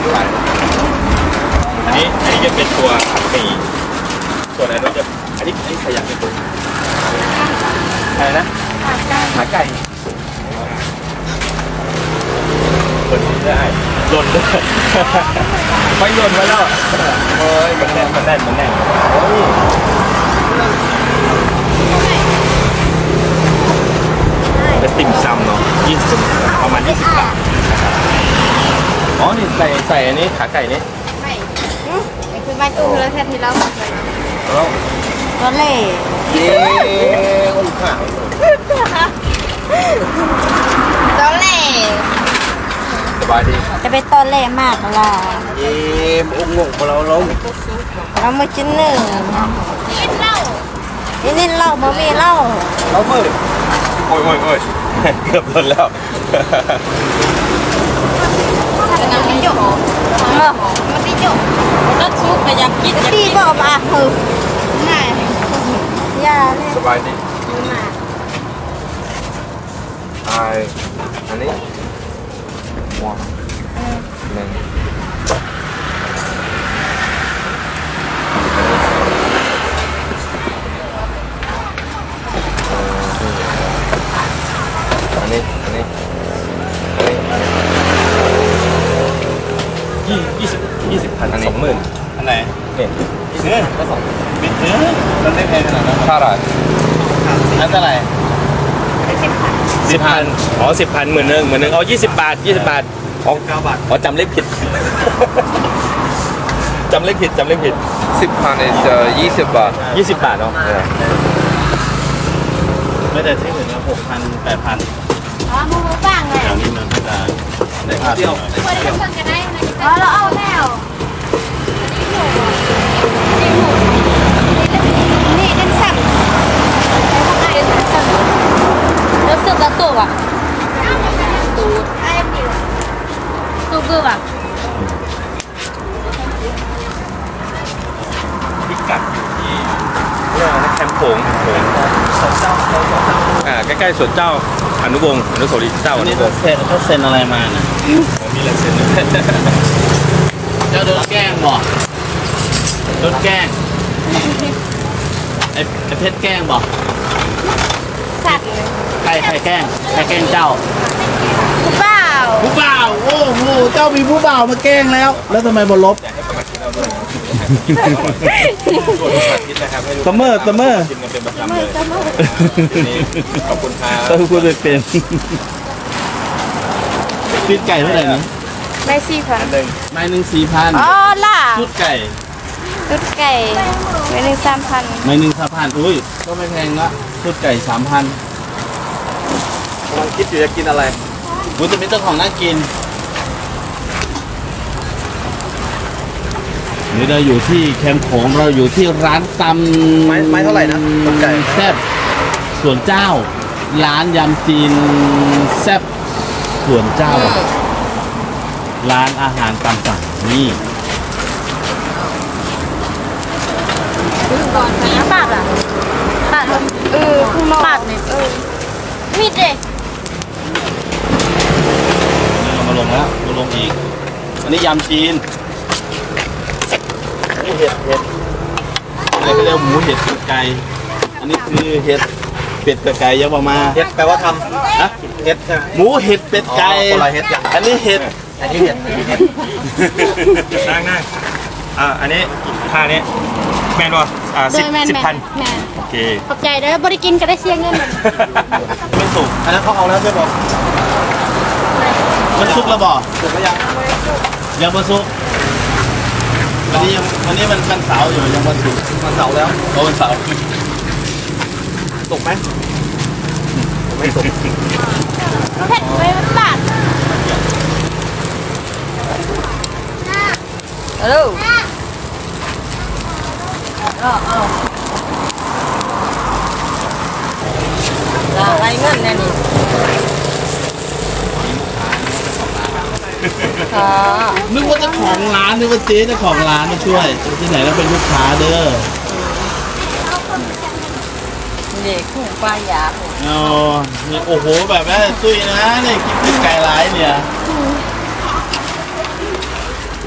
อันนี้จะเป็นตัวผัดหมี่ส่วนอันนี้จะอันนี้ขยับเป็นตัวอะไรนะขาไก่เปิดซิได้หล่นด้วยไม่หล่นไว้แล้วเฮ้ยมันแน่นโอ้ยเป็นติ่มซำเนาะ20ประมาณ20 บาทอ๋อนี่ใส่อันนี้ขาไก่นี่ไม่คือไม่ตู้แล้วแทนที่เราแล้วตัวเล่เย้คนขาวตัวเล่สบายดีจะเป็นตัวเล่มากล่ะเย้อุ้งงของเราเรามาชิ้นหนึ่งนี่เหล้าบ่มีเหล้าเราเมื่อโอ้ยเกือบหล่นแล้วจะนำไม่หยกมันไม่หยกก็ซุปไปอยากกินตีก็มาคือง่ายยาเลยสบายดีอันนี้หัวหนึ่งอันนี้20,000 20,000 20,000อันไหนเนี่ยก็มันได้แพงขนาดนั้นเท่าไหร่อันเท่าไหร่10,000อ๋อ10,00010,000อ๋อ20 บาทอ๋อ9 บาทอ๋อจำเลขผิดจำเลขผิด10,000 is 20 บาท20 บาทเนาะไม่แต่ที่อื่นนะ6,000 8,000 อ๋อมูบ้างเลยอย่างนี้มันก็จะได้ค่าเที่ยวอ๋อเราเอาแล้วนี่เป็นสับแล้วสึกกระตุกอ่ะตูดไอ้ปิวตูกึบอ่ะพิกัดอยู่ที่แคมป์โขงใกล้ๆสวนเจ้าอนุวงศ์อนุสาวรีย์เจ้าอนุวงศ์เขาเซ็นอะไรมานะมีลายเซ็นเจ้าโดนแกล้งบอกโดนแกล้งไอ้เพชรแกล้งบอกสัตว์ใครแกล้งเจ้าผู้บ่าวโอ้โหเจ้ามีผู้บ่าวมาแกล้งแล้วทำไมบนลบเสมอกินกันเป็นประจำเลยขอบคุณครับต้องพูดเป็นปีนไก่เท่าไหร่นะไม่4,000 ไม่1,400 อ๋อล่ะชุดไก่ไม่3,000 ไม่3,000อุ้ยก็ไม่แพงละชุดไก่ 3,000 กำลังคิดอยู่จะกินอะไรกูจะมีเจ้าของน่ากินนี่เราอยู่ที่แคมป์โขงเราอยู่ที่ร้านตำไม้เท่าไหร่นะไก่แซ่บส่วนเจ้าร้านยำจีนแซ่บส่วนเจ้าร้านอาหารตามสั่งนี่ก่อนนะปากอ่ะปากคุณปากเนี่ยมีดเด็กเรามาลงแล้วมาลงอีกอันนี้ยำจีนอันนี้เห็ดอะไรก็เรียกหมูเห็ดไก่อันนี้คือเห็ดเป็ดกับไก่ยังมาเห็ดแปลว่าทำนะเห็ดหมูเห็ดเป็ดไก่อันนี้เห็ดนั่งอันนี้ค่านี้แมนวะ10,000โอเคขอบใจเด้อบริกินก็ได้เสียเงินไม่สุกอันนั้นเขาเอาแล้วใช่ไหมมันซุกแล้วบอกสุกแล้วยังไม่ซุกวันนี้มันเสาร์อยู่ยังวันศุกร์มันเสาร์แล้วโอ้วันเสาร์สุกไหมไม่สุกเผ็ดเลยมันบาดฮัลโหลอะไรเงินเนี่ยนี่นึกว่าเจ้าของร้านนึกว่าเจ๊เจ้าของร้านมาช่วยที่ไหนแล้วเป็นลูกค้าเด้อเด็กคู่ปลายาอ๋อนี่โอ้โหแบบว่าตุ้ยนะเนี่ยกินไก่ร้ายเนี่ย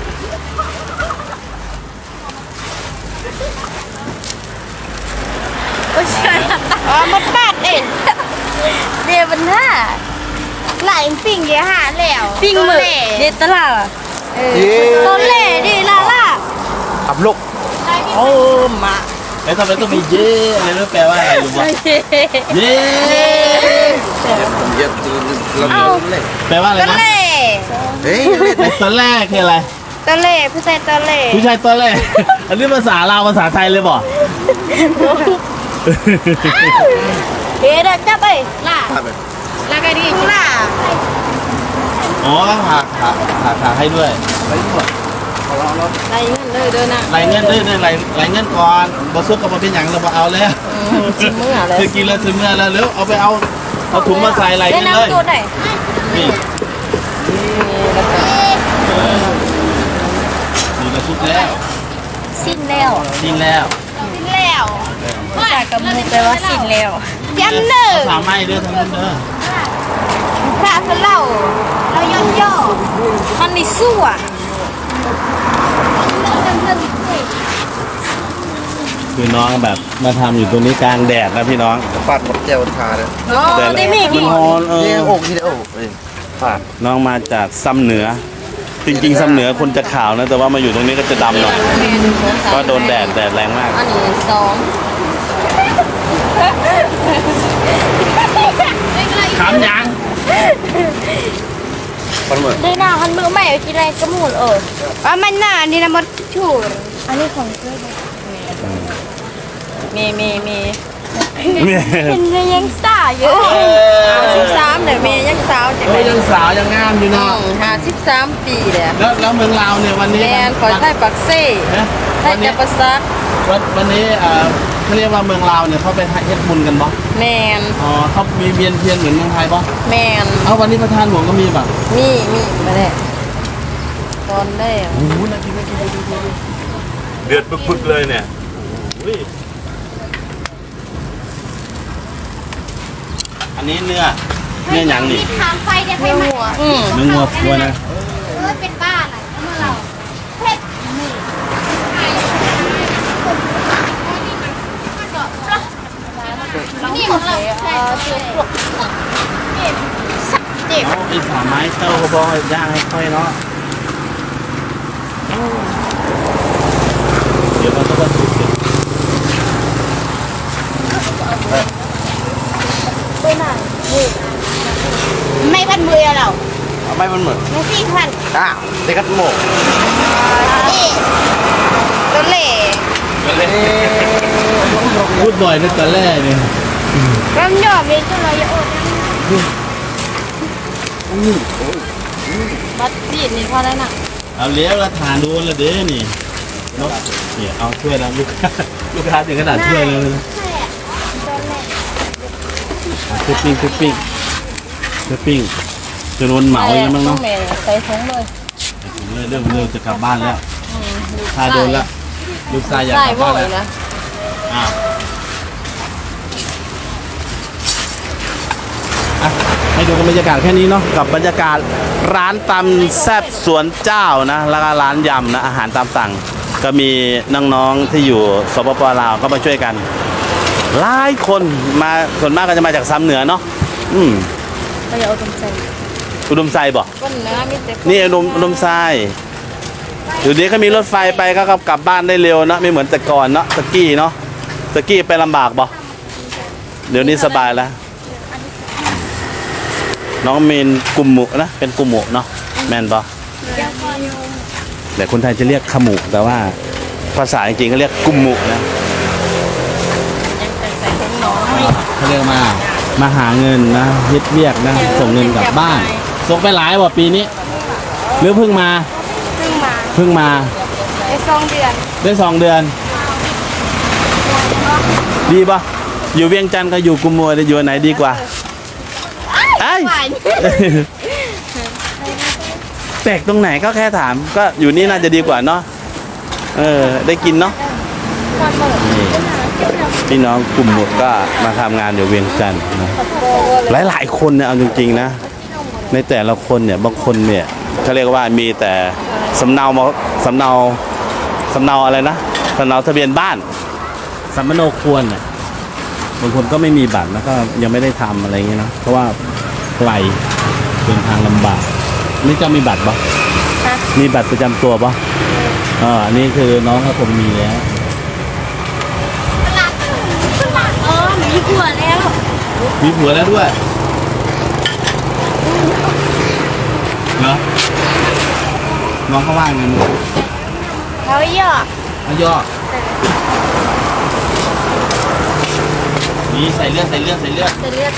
เลยบรรทัดหลายปิ่งเดี๋ยวหาแล้วปิ่งมือเด็ดตลาดต้นเล่ดิลาล่ะขับลูกโอ้มาแล้วทำไมต้องมีเย่อะไรนั่นแปลว่าอะไรรู้ป่ะเย่เย็บเราเล่นแปลว่าอะไรต้นนะเล่เฮ้ยไอ้ตัวแรกคืออะไรต้นเล่ผู้ชายต้นเล่ผู้ชายตัวแรก อันนี้ภาษาลาวภาษาไทยเลยบ่เฮ้ยเด็กจับไปล่ะภาพแบบล่ะกันดีล่ะอ๋อหาให้ด้วยไรหมดไรเงินเลยเด้อนะรายเงินด้วยเนี่ยรายเงินก่อนบ่ซุกกับบ่เป็นหยังเราบ่เอาแล้วชิมมืออะไรคือกินแล้วถึงเมื่อแล้วเร็วเอาไปเอาถุงมาใส่รายเล่เงินนเลยน้ำตัวไหนนี่นี่ก็ซุกแล้วสิ้นแล้วกินแล้วสิ้นแล้วภาษากับมือแปลว่าสิ้นแล้วย้ำหนึ่งภาษาไม้เด้อทั้งนั้นเด้อพระคือเราย่นย่อมันนี่สู้อ่ะคือน้องแบบมาทำอยู่ตรงนี้กลางแดดนะพี่น้องฟาดหมดเจลชาเลยอ๋อได้มีมันฮอนเลี้ยงอกที่เดียวฟาดน้องมาจากซ้ำเหนือ จริงๆซ้ำเหนือคนจะขาวนะแต่ว่ามาอยู่ตรงนี้ก็จะดำหน่อยเพราะโดนแดดแรงมากอันนี้สองขามยังมันเหมือนได้หน้ามันมือใหม่กินอะไรก็หมุนว่ามันหน้านี่นะมดชูอันนี้ของเพื่อนมีเห็นเมย์ยังสาวอยู่13เดี๋ยวเมย์ยังสาวจะโอ้ยยังสาวยังงามอยู่เนาะ 53ปีเลยแล้วเมืองลาวเนี่ยวันนี้แมนขอไทยปักเซ่นะไทยจะประซักวันนี้เขาเรียกว่าเมืองลาวเนี่ยเขาไปเฮ็ดบุญกันบ่แมนอ๋อเขามีเวียนเทียนเหมือนเมืองไทยบ่แมนเอาวันนี้ประธานหลวงก็มีป่ะมีมาแล้วตอนได้โอ้โหน่ากินเดือดปึกๆเลยเนี่ยอันนี้เนื้อหยังนี่ทางไฟเดี๋ยวไฟไหม้เนื้องัวตัวนะเป็นบ้าอะไรเมื่อเราเผ็ดนี่ของเราเจ็บเอาไอ้ขาไม้เต้าเขาบอกให้ย่างให้ค่อยเนาะเดี๋ยวมันก็จะสุกเลยไม่พันมือเราไม่มันเหมือนไม่สี่พันเด็กกัดโมกนี่ตัวเล่พูดบ่อยในตอนแรกเนี่ยร่ำยอมเลยตัวเราอย่าอดบัดบีดนี่พอได้น่ะเอาเลี้ยวแล้วทานดูแล้วเด้นี่เนาะเนี่ยเอาช่วยแล้วลูกค้าถึงขนาดช่วยเลยนะคือปิ้งจะโดนเหมาอีกแล้วมั้งเนาะใส่ถุงเลยเริ่มจะกลับบ้านแล้วถ้าโดนแล้วลูกชายอยากใส่กลับบ่บ้านอยแล้วนะอ้าวอ่ะให้ดูกันบรรยากาศแค่นี้เนาะกับบรรยากาศร้านตำแซ่บสวนเจ้านะแล้วก็ร้านยำนะอาหารตามสั่งก็มีน้องๆที่อยู่สปปลาวก็มาช่วยกันหลายคนมาส่วนมากก็จะมาจากซ้ำเหนือเนาะก็อย่าเอาตรงใส่อุดมไซบอกก้นเนื้อมีแต่นี่อุดมไซเดี๋ยวนี้ก็มีรถไฟไปก็กลับบ้านได้เร็วนะไม่เหมือนแต่ก่อนเนาะสกี้เนาะสกี้ไปลำบากบ่เดี๋ยวนี้สบายแล้ว น้องเมนกุมหมุนะเป็นกุมหมุเนาะแมนปะแต่คนไทยจะเรียกขมุแต่ว่าภาษาจริงๆก็เรียกกุมหมุนะยังใส่ถุงน้อยเขาเรียกมาหาเงินนะเฮ็ดเวียกนะส่งเงินกลับบ้านส่งไปหลายว่ะปีนี้หรือเพิ่งมาเพิ่งมาได้ได้2 เดือน 2 เดือน ดีปะอยู่เวียงจันทร์ก็อยู่กุมหมุแต่อยู่ไหนดีกว่าไอ้ย แปลกตรงไหนก็แค่ถามก็อยู่นี่น่าจะดีกว่าเนาะได้กินเนาะนี่พี่น้องกลุ่มหมดก็มาทำงานอยู่เวียงจันทร์นะหลายๆคนเนี่ยเอาจริงๆนะในแต่ละคนเนี่ยบางคนเนี่ยเขาเรียกว่ามีแต่สำเนาอะไรนะสำเนาทะเบียนบ้านสัมมโนครวรเนี่ยบางคนก็ไม่มีบัตรแล้วก็ยังไม่ได้ทำอะไรเงี้ยเนอะเพราะว่าไกลเดินทางลำบากนี่เจ้ามีบัตรปะมีบัตรประจำตัวปะอันนี้คือน้องเขาคงมีแล้วอ๋อมีผัวแล้วมีผัวแล้วด้วยเหรอน้องเขาว่างไงมึงเขาหยอกเขาย่อนี่ใส่เลือดเสเลือด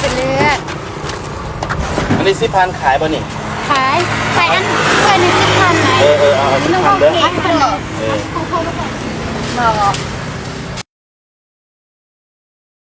อันนี้10,000ขายป่ะนี่ขายอันเคยใน10,000ไหนเอา10,000เด้อขนมเออบอก